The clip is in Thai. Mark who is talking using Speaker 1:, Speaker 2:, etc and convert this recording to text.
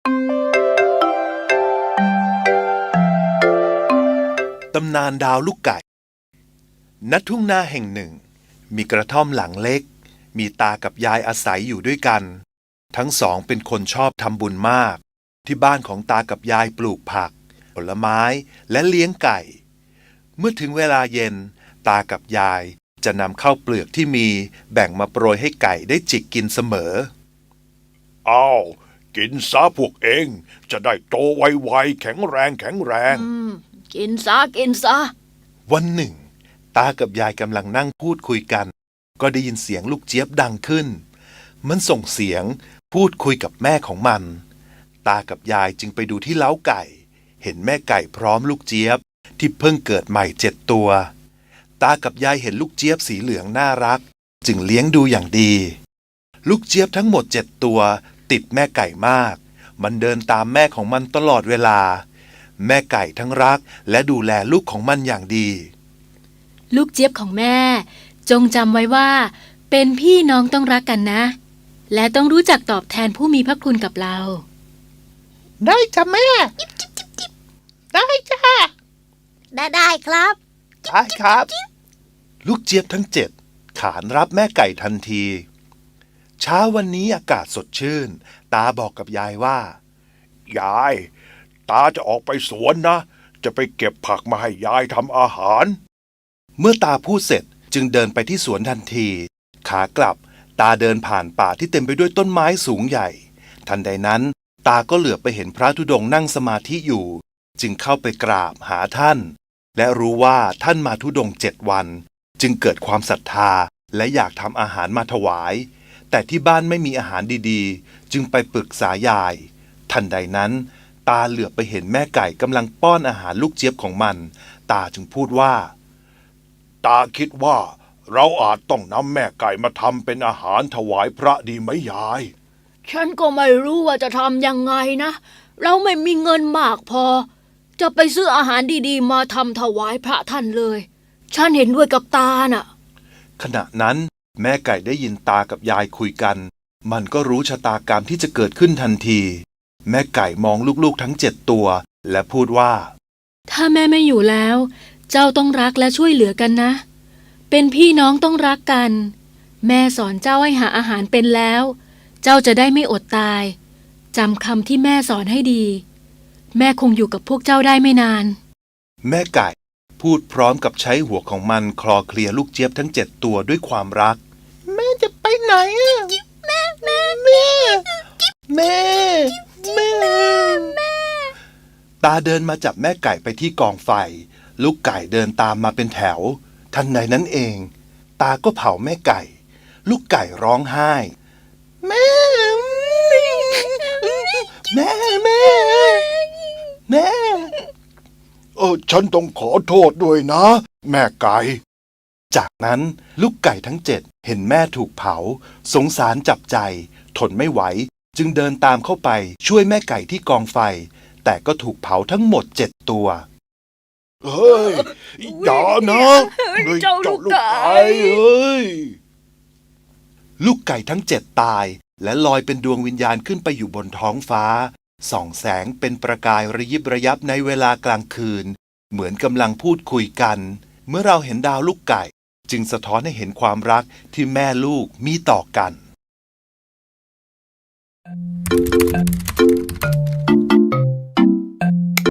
Speaker 1: ตำนานดาวลูกไก่ณทุ่งนาแห่งหนึ่งมีกระท่อมหลังเล็กมีตากับยายอาศัยอยู่ด้วยกันทั้งสองเป็นคนชอบทำบุญมากที่บ้านของตากับยายปลูกผักผลไม้และเลี้ยงไก่เมื่อถึงเวลาเย็นตากับยายจะนำข้าวเปลือกที่มีแบ่งมาโปรยให้ไก่ได้จิกกินเสมอ
Speaker 2: อ้าวกินซะพวกเองจะได้โตไวๆแข็งแรง
Speaker 3: กินซะ
Speaker 1: วันหนึ่งตากับยายกำลังนั่งพูดคุยกันก็ได้ยินเสียงลูกเจี๊ยบดังขึ้นมันส่งเสียงพูดคุยกับแม่ของมันตากับยายจึงไปดูที่เล้าไก่เห็นแม่ไก่พร้อมลูกเจี๊ยบที่เพิ่งเกิดใหม่7 ตัวตากับยายเห็นลูกเจี๊ยบสีเหลืองน่ารักจึงเลี้ยงดูอย่างดีลูกเจี๊ยบทั้งหมด7 ตัวติดแม่ไก่มากมันเดินตามแม่ของมันตลอดเวลาแม่ไก่ทั้งรักและดูแลลูกของมันอย่างดี
Speaker 3: ลูกเจี๊ยบของแม่จงจำไว้ว่าเป็นพี่น้องต้องรักกันนะและต้องรู้จักตอบแทนผู้มีพระคุณกับเรา
Speaker 4: ได้จ้ะแม่ได้จ้ะ
Speaker 5: ได้ครับ
Speaker 4: ได้ครับ
Speaker 1: ลูกเจี๊ยบทั้ง7ขานรับแม่ไก่ทันทีเช้าวันนี้อากาศสดชื่นตาบอกกับยายว่าย
Speaker 2: ายตาจะออกไปสวนนะจะไปเก็บผักมาให้ยายทำอาหาร
Speaker 1: เมื่อตาพูดเสร็จจึงเดินไปที่สวนทันทีขากลับตาเดินผ่านป่าที่เต็มไปด้วยต้นไม้สูงใหญ่ทันใดนั้นตาก็เหลือบไปเห็นพระธุดงค์นั่งสมาธิอยู่จึงเข้าไปกราบหาท่านและรู้ว่าท่านมาธุดงค์7 วันจึงเกิดความศรัทธาและอยากทำอาหารมาถวายแต่ที่บ้านไม่มีอาหารดีๆจึงไปปรึกษายายทันใดนั้นตาเหลือบไปเห็นแม่ไก่กำลังป้อนอาหารลูกเจี๊ยบของมันตาจึงพูดว่า
Speaker 2: ตาคิดว่าเราอาจต้องนำแม่ไก่มาทำเป็นอาหารถวายพระดีไหมยาย
Speaker 3: ฉันก็ไม่รู้ว่าจะทำยังไงนะเราไม่มีเงินมากพอจะไปซื้ออาหารดีๆมาทำถวายพระท่านเลยฉันเห็นด้วยกับตาน่ะ
Speaker 1: ขณะนั้นแม่ไก่ได้ยินตากับยายคุยกันมันก็รู้ชะตากรรมที่จะเกิดขึ้นทันทีแม่ไก่มองลูกๆทั้ง7 ตัวและพูดว่า
Speaker 3: ถ้าแม่ไม่อยู่แล้วเจ้าต้องรักและช่วยเหลือกันนะเป็นพี่น้องต้องรักกันแม่สอนเจ้าให้หาอาหารเป็นแล้วเจ้าจะได้ไม่อดตายจำคำที่แม่สอนให้ดีแม่คงอยู่กับพวกเจ้าได้ไม่นาน
Speaker 1: แม่ไก่พูดพร้อมกับใช้หัวของมันคลอเคลียลูกเจี๊ยบทั้ง7 ตัวด้วยความรัก
Speaker 4: แม่จะไปไหนอะแม่
Speaker 1: ตาเดินมาจับแม่ไก่ไปที่กองไฟลูกไก่เดินตามมาเป็นแถวทันใดนั้นเองตาก็เผาแม่ไก่ลูกไก่ร้องไห้
Speaker 4: แม่
Speaker 2: ฉันต้องขอโทษด้วยนะแม่ไก่
Speaker 1: จากนั้นลูกไก่ทั้ง7เห็นแม่ถูกเผาสงสารจับใจทนไม่ไหวจึงเดินตามเข้าไปช่วยแม่ไก่ที่กองไฟแต่ก็ถูกเผาทั้งหมด7 ตัว
Speaker 2: เฮ้ยอย่านะเจ้าลูกไก่เฮ้ย
Speaker 1: ลูกไก่ทั้ง7ตายและลอยเป็นดวงวิญญาณขึ้นไปอยู่บนท้องฟ้าส่องแสงเป็นประกายระยิบระยับในเวลากลางคืนเหมือนกำลังพูดคุยกันเมื่อเราเห็นดาวลูกไก่จึงสะท้อนให้เห็นความรักที่แม่ลูกมีต่อกัน